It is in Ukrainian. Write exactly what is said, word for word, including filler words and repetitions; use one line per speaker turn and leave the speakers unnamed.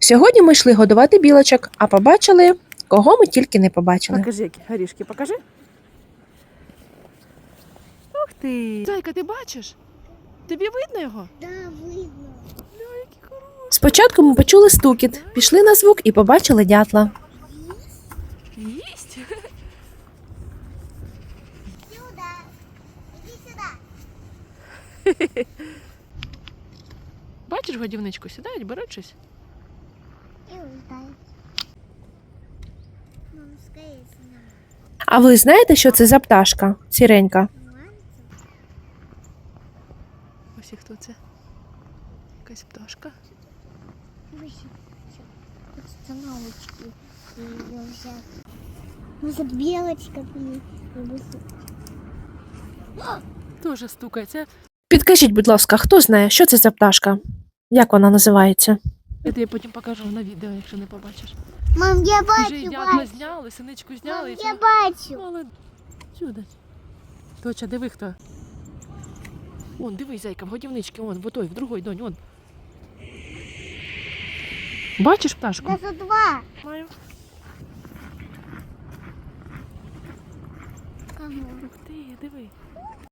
Сьогодні ми йшли годувати білочок, а побачили, кого ми тільки не побачили.
Покажи, які горішки, покажи. Ух ти! Зайка, ти бачиш? Тобі видно його?
Да, видно.
Ля, які хороші.
Спочатку ми почули стукіт, пішли на звук і побачили дятла.
Їсть?
Сюда. Иди сюда.
Бачиш годівничку, сідають, беруть щось.
И улетает. Мам, скорее сюда.
А ви знаєте, що це за пташка? Сіренька.
Ось і хто це? Якась пташка.
Остановочки. Ее взять. Может, белочка и
Тоже стукає. Це
Підкажіть, будь ласка, хто знає, що це за пташка? Як вона називається?
я тобі потім покажу на відео, якщо не побачиш.
Мам, я
Вже
бачу,
і дятла
бачу.
зняли, синичку
Мам,
зняли. і
я
все.
бачу.
Молодець. Сюди. Точа, диви хто. Вон, дивись, зайка, в годівничці, вон, в той, в другой, донь, вон. Бачиш пташку?
Даже два.
Маю.
Кого?
Ух ти, диви.